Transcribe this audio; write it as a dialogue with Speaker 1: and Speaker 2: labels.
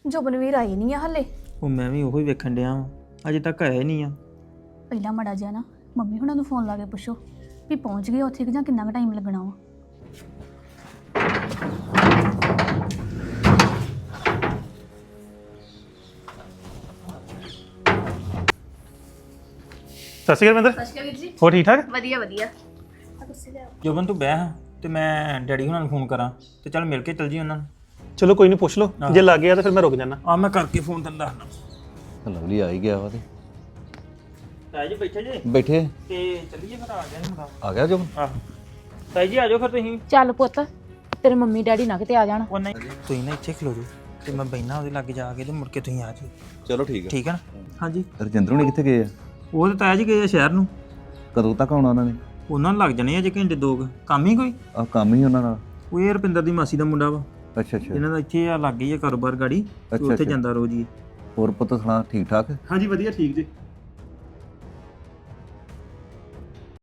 Speaker 1: ਜੁਬਨਵੀਰ ਆਈ ਨਹੀਂ ਆ ਹਲੇ।
Speaker 2: ਉਹ ਮੈਂ ਵੀ ਉਹੀ ਵੇਖਣ ਡਿਆ ਵਾਂ, ਅਜੇ ਤੱਕ ਆਇਆ ਹੀ ਨਹੀਂ ਆ।
Speaker 1: ਪਹਿਲਾਂ ਮੜਾ ਜਿਹਾ ਨਾ ਮੰਮੀ ਹੁਣਾਂ ਨੂੰ ਫੋਨ ਲਾ ਕੇ ਪੁੱਛੋ ਵੀ ਪਹੁੰਚ ਗਏ ਉੱਥੇ ਕਿ ਜਾਂ ਕਿੰਨਾ ਕੁ ਟਾਈਮ ਲੱਗਣਾ ਵਾ।
Speaker 3: ਸਤਿ ਸ਼੍ਰੀ ਅਕਾਲ
Speaker 1: ਸਤਿ ਸ਼੍ਰੀ ਅਕਾਲ ਵੀਰ ਜੀ।
Speaker 3: ਹੋਰ ਠੀਕ ਠਾਕ?
Speaker 1: ਵਧੀਆ ਵਧੀਆ।
Speaker 2: ਜੋਬਨ ਤੂੰ ਬਹਿ ਹਾਂ ਤੇ ਮੈਂ ਡੈਡੀ ਹੁਣਾਂ ਨੂੰ ਫੋਨ ਕਰਾਂ ਤੇ ਚੱਲ ਮਿਲ ਕੇ ਚੱਲ ਜੀ ਉਹਨਾਂ ਨੂੰ।
Speaker 3: ਚਲੋ ਕੋਈ ਨਹੀਂ ਪੁੱਛ ਲਓ, ਜੇ ਲੱਗ ਗਿਆ ਤਾਂ ਫਿਰ ਮੈਂ ਰੁਕ ਜਾਣਾ।
Speaker 2: ਆ ਮੈਂ ਕਰਕੇ ਫੋਨ ਤੈਨੂੰ ਦੱਸਦਾ।
Speaker 4: ਲਵਲੀ ਆ ਹੀ ਗਿਆ ਵਾ ਤੇ
Speaker 2: ਤਾਈ ਜੀ ਬੈਠੇ ਜੇ
Speaker 4: ਬੈਠੇ
Speaker 2: ਤੇ ਚੱਲੀਏ ਫਿਰ ਆ ਗਿਆ ਮੁੰਡਾ।
Speaker 4: ਆ ਗਿਆ ਜੋ
Speaker 2: ਆਹ ਤਾਈ ਜੀ ਆ ਜਾਓ ਫਿਰ ਤੁਸੀਂ।
Speaker 5: ਚੱਲ ਪੁੱਤ ਤੇਰੇ ਮੰਮੀ ਡੈਡੀ ਨਾ ਕਿਤੇ ਆ ਜਾਣ।
Speaker 2: ਉਹ ਨਹੀਂ ਤੁਸੀਂ ਨਾ ਇੱਥੇ ਖਲੋ ਜਾਓ ਤੇ ਮੈਂ ਬੈਠਣਾ ਉਹਦੇ ਲਾਗੇ ਜਾ ਕੇ ਤੇ ਮੁੜ ਕੇ ਤੁਸੀਂ ਆ ਜਾਓ।
Speaker 4: ਚਲੋ ਠੀਕ ਹੈ।
Speaker 2: ਠੀਕ ਹੈ ਨਾ? ਹਾਂਜੀ
Speaker 4: ਰਜਿੰਦਰ ਹੁਣੀ ਕਿੱਥੇ ਗਏ ਆ?
Speaker 2: ਉਹ ਤਾਂ ਤਾਇਆ ਜੀ ਗਏ ਆ ਸ਼ਹਿਰ ਨੂੰ।
Speaker 4: ਕਦੋਂ ਤੱਕ ਆਉਣਾ ਉਹਨਾਂ ਨੇ?
Speaker 2: ਉਹਨਾਂ ਨੂੰ ਲੱਗ ਜਾਣੇ ਅਜੇ ਘੰਟੇ ਦੋ ਕੁ। ਕੰਮ ਹੀ ਕੋਈ?
Speaker 4: ਆ ਕੰਮ ਹੀ ਉਹਨਾਂ ਨਾਲ।
Speaker 2: ਉਹ ਇਹ ਰੁਪਿੰਦਰ ਦੀ ਮਾਸੀ ਦਾ ਮੁੰਡਾ ਵਾ।
Speaker 4: ਅੱਛਾ ਅੱਛਾ।
Speaker 2: ਇਹਨਾਂ ਦਾ ਇੱਥੇ ਆ ਲੱਗ ਗਈ ਆ ਕਾਰੋਬਾਰ ਗਾੜੀ ਤੇ
Speaker 4: ਅੱਛਾ,
Speaker 2: ਉੱਥੇ
Speaker 4: ਅੱਛਾ।
Speaker 2: ਜਾਂਦਾ ਰੋਜ਼ ਹੀ।
Speaker 4: ਹੋਰ ਪੁੱਤ ਸੁਣਾ ਠੀਕ ਠਾਕ?
Speaker 3: ਹਾਂਜੀ ਵਧੀਆ ਠੀਕ ਜੀ।